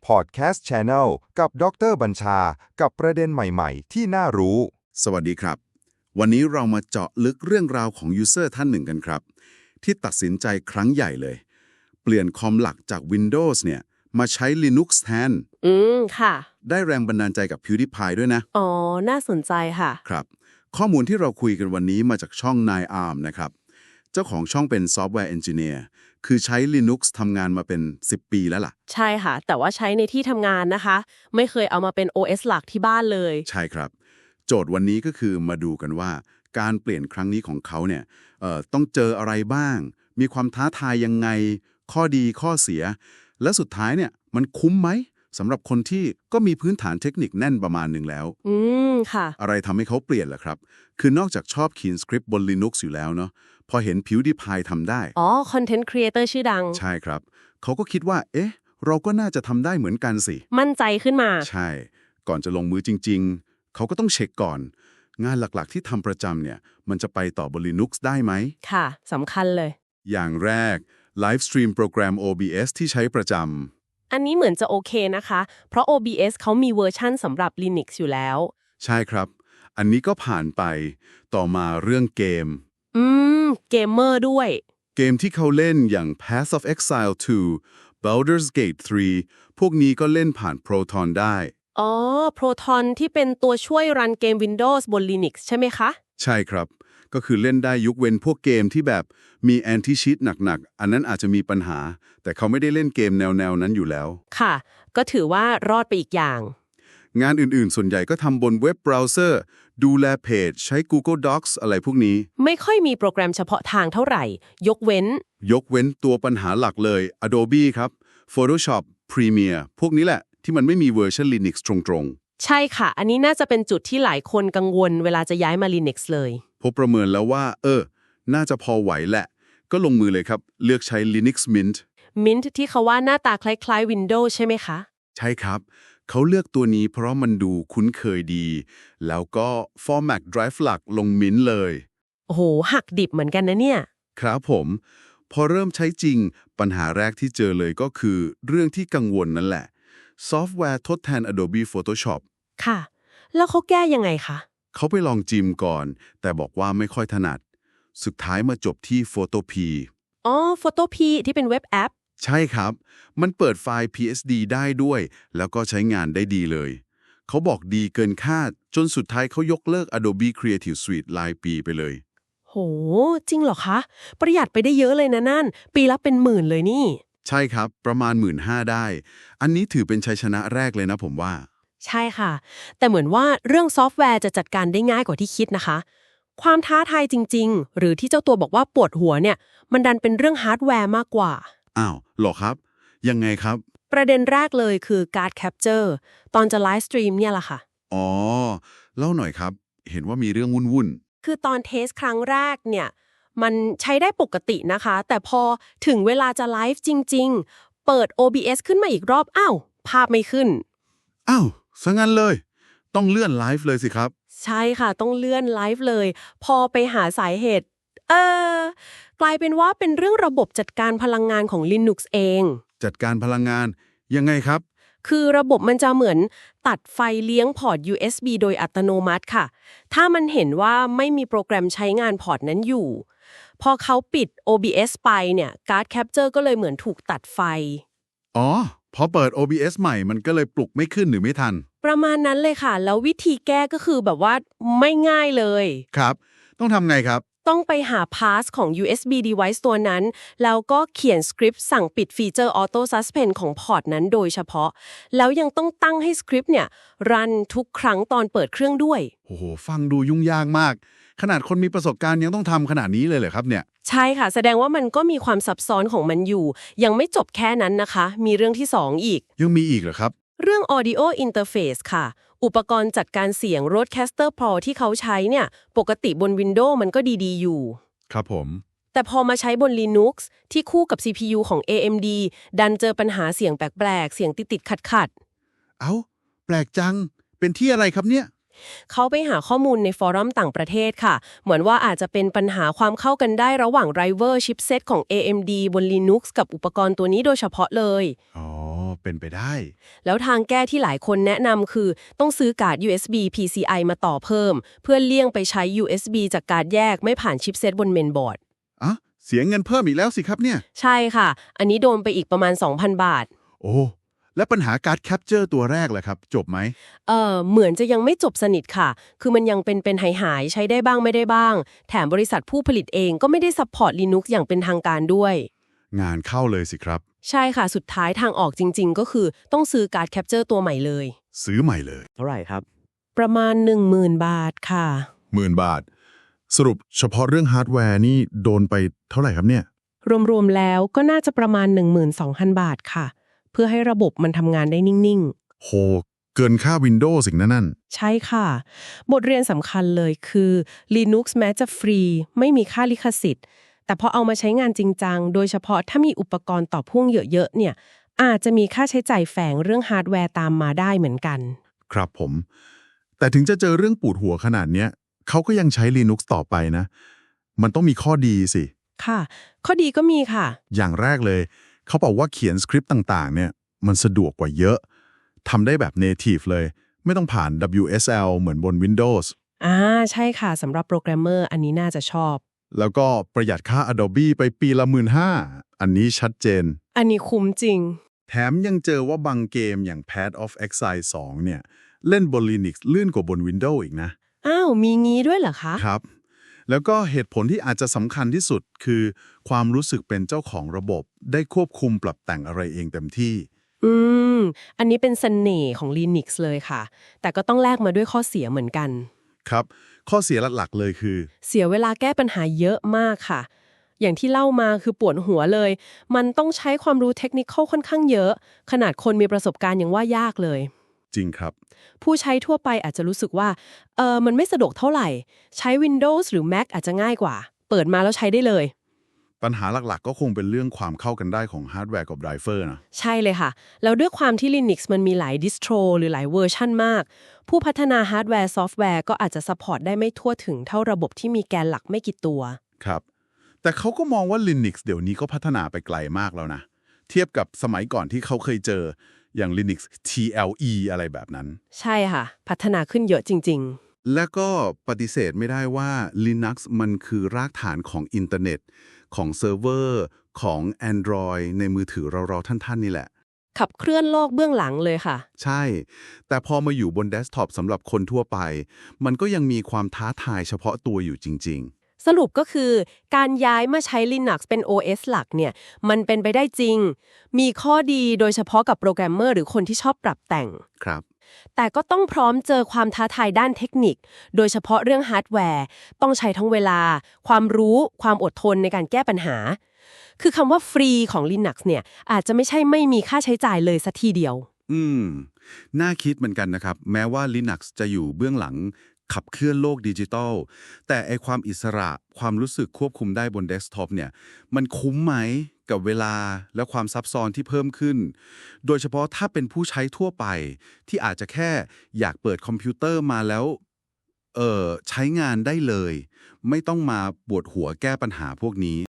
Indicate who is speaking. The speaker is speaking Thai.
Speaker 1: Podcast Channel กับดร.บัญชากับประเด็นใหม่ๆที่น่ารู้
Speaker 2: สวัสดีครับวันนี้เรามาเจาะลึกเรื่องราวของยูเซอร์ท่านหนึ่งกันครับที่ตัดสินใจครั้งใหญ่เลยเปลี่ยนคอมหลักจาก Windows เนี่ยมาใช้ Linux แทน
Speaker 3: ค่ะ
Speaker 2: ได้แรงบันดาลใจกับ PewDiePie ด้วยนะ
Speaker 3: อ๋อน่าสนใจค่ะ
Speaker 2: ครับข้อมูลที่เราคุยกันวันนี้มาจากช่อง 9arm นะครับเจ้าของช่องเป็นซอฟต์แวร์เอนจิเนียร์คือใช้ Linux ทำงานมาเป็น10 ปีแล้วล่ะ
Speaker 3: ใช่ค่ะแต่ว่าใช้ในที่ทำงานนะคะไม่เคยเอามาเป็น OS หลักที่บ้านเลย
Speaker 2: ใช่ครับโจทย์วันนี้ก็คือมาดูกันว่าการเปลี่ยนครั้งนี้ของเขาเนี่ยต้องเจออะไรบ้างมีความท้าทายยังไงข้อดีข้อเสียและสุดท้ายเนี่ยมันคุ้มไหมสำหรับคนที่ก็มีพื้นฐานเทคนิคแน่นประมาณหนึ่งแล้ว
Speaker 3: ค่ะ
Speaker 2: อะไรทำให้เขาเปลี่ยนล่ะครับคือนอกจากชอบเขียนสคริปต์บน Linux อยู่แล้วเนาะพอเห็น PewDiePie ทำได้
Speaker 3: อ๋อคอนเทนต์ครีเอเตอร์ชื่อดัง
Speaker 2: ใช่ครับเขาก็คิดว่าเอ๊ะเราก็น่าจะทำได้เหมือนกันสิ
Speaker 3: มั่นใจขึ้นมา
Speaker 2: ใช่ก่อนจะลงมือจริงๆเขาก็ต้องเช็คก่อนงานหลักๆที่ทำประจำเนี่ยมันจะไปต่อบน Linux ได้ไหม
Speaker 3: ค่ะสำคัญเลย
Speaker 2: อย่างแรกไลฟ์สตรีมโปรแกรม OBS ที่ใช้ประจ
Speaker 3: อันนี้เหมือนจะโอเคนะคะเพราะ OBS เขามีเวอร์ชั่นสำหรับ Linux อยู่แล้ว
Speaker 2: ใช่ครับอันนี้ก็ผ่านไปต่อมาเรื่องเกม
Speaker 3: เกมเมอร์ด้วย
Speaker 2: เกมที่เขาเล่นอย่าง Path of Exile 2 Baldur's Gate 3 พวกนี้ก็เล่นผ่าน Proton ได้
Speaker 3: อ๋อ Proton ที่เป็นตัวช่วยรันเกม Windows บน Linux ใช่ไหมคะ
Speaker 2: ใช่ครับก็คือเล่นได้ยกเว้นพวกเกมที่แบบมีแอนตี้ชีทหนักๆอันนั้นอาจจะมีปัญหาแต่เขาไม่ได้เล่นเกมแนวนั้นอยู่แล้ว
Speaker 3: ค่ะก็ถือว่ารอดไปอีกอย่าง
Speaker 2: งานอื่นๆส่วนใหญ่ก็ทำบนเว็บเบราว์เซอร์ดูแลเพจใช้ Google Docs อะไรพวกนี้
Speaker 3: ไม่ค่อยมีโปรแกรมเฉพาะทางเท่าไหร่ยกเว้น
Speaker 2: ตัวปัญหาหลักเลย Adobe ครับ Photoshop Premiere พวกนี้แหละที่มันไม่มีเวอร์ชัน Linux ตรง
Speaker 3: ๆใช่ค่ะอันนี้น่าจะเป็นจุดที่หลายคนกังวลเวลาจะย้ายมา Linux เลย
Speaker 2: พบประเมินแล้วว่าน่าจะพอไหวแหละก็ลงมือเลยครับเลือกใช้ Linux
Speaker 3: Mint ที่เขาว่าหน้าตาคล้ายๆ Windows ใช่ไหมคะ
Speaker 2: ใช่ครับเขาเลือกตัวนี้เพราะมันดูคุ้นเคยดีแล้วก็ Format Drive หลักลง Mint เลย
Speaker 3: โอ้โหหักดิบเหมือนกันนะเนี่ย
Speaker 2: ครับผมพอเริ่มใช้จริงปัญหาแรกที่เจอเลยก็คือเรื่องที่กังวลนั่นแหละซอฟต์แวร์ทดแทน Adobe Photoshop
Speaker 3: ค่ะแล้วเขาแก้ยังไงคะ
Speaker 2: เขาไปลองจิมก่อนแต่บอกว่าไม่ค่อยถนัดสุดท้ายมาจบที่ Photopea
Speaker 3: อ๋อ Photopea ที่เป็นเว็บแอป
Speaker 2: ใช่ครับมันเปิดไฟล์ PSD ได้ด้วยแล้วก็ใช้งานได้ดีเลยเขาบอกดีเกินคาดจนสุดท้ายเขายกเลิก Adobe Creative Suite รายปีไปเลย
Speaker 3: โหจริงเหรอคะประหยัดไปได้เยอะเลยนะนั่นปีละเป็นหมื่นเลยนี่
Speaker 2: ใช่ครับประมาณ 15,000 ได้อันนี้ถือเป็นชัยชนะแรกเลยนะผมว่า
Speaker 3: ใช่ค่ะแต่เหมือนว่าเรื่องซอฟต์แวร์จะจัดการได้ง่ายกว่าที่คิดนะคะความท้าทายจริงๆหรือที่เจ้าตัวบอกว่าปวดหัวเนี่ยมันดันเป็นเรื่องฮาร์ดแวร์มากกว่า
Speaker 2: อ้าวหรอครับยังไงครับ
Speaker 3: ประเด็นแรกเลยคือการ์ดแคปเจอร์ตอนจะไลฟ์สตรีมเนี่ยแหละค่ะ
Speaker 2: อ๋อเล่าหน่อยครับเห็นว่ามีเรื่องวุ่น
Speaker 3: คือตอนเทสครั้งแรกเนี่ยมันใช้ได้ปกตินะคะแต่พอถึงเวลาจะไลฟ์จริงๆเปิด OBS ขึ้นมาอีกรอบอ้าวภาพไม่ขึ้น
Speaker 2: อ้าวซะงั้นเลยต้องเลื่อนไลฟ์เลยสิครับ
Speaker 3: ใช่ค่ะต้องเลื่อนไลฟ์เลยพอไปหาสาเหตุเออกลายเป็นว่าเป็นเรื่องระบบจัดการพลังงานของ Linux เอง
Speaker 2: จัดการพลังงานยังไงครับ
Speaker 3: คือระบบมันจะเหมือนตัดไฟเลี้ยงพอร์ต USB โดยอัตโนมัติค่ะถ้ามันเห็นว่าไม่มีโปรแกรมใช้งานพอร์ตนั้นอยู่พอเขาปิด OBS ไปเนี่ยการ์ดแคปเจอร์ก็เลยเหมือนถูกตัดไฟ
Speaker 2: อ๋อพอเปิด OBS ใหม่มันก็เลยปลุกไม่ขึ้นหรือไม่ทัน
Speaker 3: ประมาณนั้นเลยค่ะแล้ววิธีแก้ก็คือแบบว่าไม่ง่ายเลย
Speaker 2: ครับต้องทำไงครับ
Speaker 3: ต้องไปหา path ของ USB device ตัวนั้นแล้วก็เขียนสคริปต์สั่งปิดฟีเจอร์ Auto Suspend ของพอร์ตนั้นโดยเฉพาะแล้วยังต้องตั้งให้สคริปต์เนี่ยรันทุกครั้งตอนเปิดเครื่องด้วย
Speaker 2: โอ้โหฟังดูยุ่งยากมากขนาดคนมีประสบการณ์ยังต้องทำขนาดนี้เลยเหรอครับเนี่ย
Speaker 3: ใช่ค่ะแสดงว่ามันก็มีความซับซ้อนของมันอยู่ยังไม่จบแค่นั้นนะคะมีเรื่องที่2อีก
Speaker 2: ยังมีอีกเหรอครับ
Speaker 3: เรื่อง Audio Interface ค่ะอุปกรณ์จัดการเสียง Rodecaster Pro ที่เขาใช้เนี่ยปกติบน Windows มันก็ดีๆอยู่
Speaker 2: ครับผม
Speaker 3: แต่พอมาใช้บน Linux ที่คู่กับ CPU ของ AMD ดันเจอปัญหาเสียงแปลกๆเสียงติดๆขัด
Speaker 2: ๆเอ้าแปลกจังเป็นที่อะไรครับเนี่ย
Speaker 3: เขาไปหาข้อมูลในฟอรัมต่างประเทศค่ะเหมือนว่าอาจจะเป็นปัญหาความเข้ากันได้ระหว่าง driver chipset ของ AMD บน Linux กับอุปกรณ์ตัวนี้โดยเฉพาะเลย
Speaker 2: อ๋อเป็นไปได้
Speaker 3: แล้วทางแก้ที่หลายคนแนะนำคือต้องซื้อการ์ด USB PCI มาต่อเพิ่ม เพื่อเลี่ยงไปใช้ USB จากการ์ดแยกไม่ผ่านชิปเซตบนเมนบอร์ด
Speaker 2: อ่ะ เสียเงินเพิ่มอีกแล้วสิครับเนี่ย
Speaker 3: ใช่ค่ะ อันนี้โดนไปอีกประมาณ 2,000 บาท
Speaker 2: โอ้ และปัญหาการ์ดแคปเจอร์ตัวแรกล่ะครับ จบไหม
Speaker 3: เหมือนจะยังไม่จบสนิทค่ะ คือมันยังเป็นหายใช้ได้บ้างไม่ได้บ้าง แถมบริษัทผู้ผลิตเองก็ไม่ได้ซัพพอร์ต Linux อย่างเป็นทางการด้วย
Speaker 2: งานเข้าเลยสิครับ
Speaker 3: ใช่ค่ะ สุดท้ายทางออกจริงๆ ก็คือต้องซื้อการ์ดแคปเจอร์ตัวใหม่เลย
Speaker 2: ซื้อใหม่เลย
Speaker 4: เท่าไหร่ครับ
Speaker 3: ประมาณ 10,000 บาทค่ะ
Speaker 2: 10,000 บาท สรุปเฉพาะเรื่องฮาร์ดแวร์นี่โดนไปเท่าไหร่ครับเนี่ย
Speaker 3: รวมๆแล้วก็น่าจะประมาณ 12,000 บาทค่ะ เพื่อให้ระบบมันทำงานได้นิ่งๆ
Speaker 2: โห เกินค่า Windows สิ่งนั่น
Speaker 3: ใช่ค่ะ บทเรียนสำคัญเลยคือ Linux แม้จะฟรีไม่มีค่าลิขสิทธิ์ แต่พอเอามาใช้งานจริงจังโดยเฉพาะถ้ามีอุปกรณ์ต่อพ่วงเยอะๆเนี่ยอาจจะมีค่าใช้จ่ายแฝงเรื่องฮาร์ดแวร์ตามมาได้เหมือนกัน
Speaker 2: ครับผม แต่ถึงจะเจอเรื่องปวดหัวขนาดเนี้ยเขาก็ยังใช้ Linux ต่อไปนะ มันต้องมีข้อดีสิ
Speaker 3: ค่ะ ข้อดีก็มีค่ะ
Speaker 2: อย่างแรกเลย เขาบอกว่าเขียนสคริปต์ต่างๆ เนี่ยมันสะดวกกว่าเยอะทำได้แบบ native เลย ไม่ต้องผ่าน WSL เหมือนบน Windows
Speaker 3: ใช่ค่ะสำหรับโปรแกรมเมอร์อันนี้น่าจะชอบ
Speaker 2: แล้วก็ประหยัดค่า Adobe ไปปีละ 15,000 อันนี้ชัดเจน
Speaker 3: อันนี้คุ้มจริง
Speaker 2: แถมยังเจอว่าบางเกมอย่าง Path of Exile 2 เนี่ย เล่นบน Linux ลื่นกว่าบน Windows อีกนะ
Speaker 3: อ้าวมีงี้ด้วยเหรอคะ
Speaker 2: ครับ แล้วก็เหตุผลที่อาจจะสำคัญที่สุดคือ ความรู้สึกเป็นเจ้าของระบบ ได้ควบคุมปรับแต่งอะไรเองเต็มที่
Speaker 3: อันนี้เป็นเสน่ห์ของ Linux เลยค่ะ แต่ก็ต้องแลกมาด้วยข้อเสียเหมือนกัน
Speaker 2: ครับ ข้อเสียหลักๆเลยคือ
Speaker 3: เสียเวลาแก้ปัญหาเยอะมากค่ะ อย่างที่เล่ามาคือปวดหัวเลย มันต้องใช้ความรู้เทคนิคค่อนข้างเยอะ ขนาดคนมีประสบการณ์ยังว่ายากเลย
Speaker 2: จริงครับ
Speaker 3: ผู้ใช้ทั่วไปอาจจะรู้สึกว่ามันไม่สะดวกเท่าไหร่ ใช้ Windows หรือ Mac อาจจะง่ายกว่า เปิดมาแล้วใช้ได้เลย
Speaker 2: ปัญหาหลักๆ ก็คงเป็นเรื่องความเข้ากันได้ของฮาร์ดแวร์กับไดรเวอร์นะ
Speaker 3: ใช่เลยค่ะ แล้วด้วยความที่ Linux มันมีหลายดิสโทรหรือหลายเวอร์ชันมาก ผู้พัฒนาฮาร์ดแวร์ซอฟต์แวร์ก็อาจจะซัพพอร์ตได้ไม่ทั่วถึงเท่าระบบที่มีแกนหลักไม่กี่ตัว
Speaker 2: ครับ แต่เขาก็มองว่า Linux เดี๋ยวนี้ก็พัฒนาไปไกลมากแล้วนะ เทียบกับสมัยก่อนที่เขาเคยเจออย่าง Linux TLE อะไรแบบนั้น
Speaker 3: ใช่ค่ะ พัฒนาขึ้นเยอะจริง
Speaker 2: และก็ปฏิเสธไม่ได้ว่า Linux มันคือรากฐานของอินเทอร์เน็ตของเซิร์ฟเวอร์ของ Android ในมือถือเราๆท่านๆนี่แหละ
Speaker 3: ๆ ขับเคลื่อนโลกเบื้องหลังเลยค่ะ
Speaker 2: ใช่ แต่พอมาอยู่บนเดสก์ท็อปสำหรับคนทั่วไป มันก็ยังมีความท้าทายเฉพาะตัวอยู่จริง
Speaker 3: สรุปก็คือการย้ายมาใช้ Linux เป็น OS หลักเนี่ยมันเป็นไปได้จริง มีข้อดีโดยเฉพาะกับโปรแกรมเมอร์หรือคนที่ชอบปรับแต่ง
Speaker 2: ๆ ครับ
Speaker 3: แต่ก็ต้องพร้อมเจอความท้าทายด้านเทคนิค โดยเฉพาะเรื่องฮาร์ดแวร์ต้องใช้ทั้งเวลา ความรู้ ความอดทนในการแก้ปัญหา คือคำว่าฟรีของ Linux เนี่ยอาจจะไม่ใช่ไม่มีค่าใช้จ่ายเลยสักทีเดียว
Speaker 2: น่าคิดเหมือนกันนะครับ แม้ว่า Linux จะอยู่เบื้องหลังขับเคลื่อนโลกดิจิทัล แต่ไอความอิสระความรู้สึกควบคุมได้บนเดสก์ท็อปเนี่ย มันคุ้มไหมกับเวลาและความซับซ้อนที่เพิ่มขึ้น โดยเฉพาะถ้าเป็นผู้ใช้ทั่วไป ที่อาจจะแค่อยากเปิดคอมพิวเตอร์มาแล้วใช้งานได้เลย ไม่ต้องมาปวดหัวแก้ปัญหาพวกนี้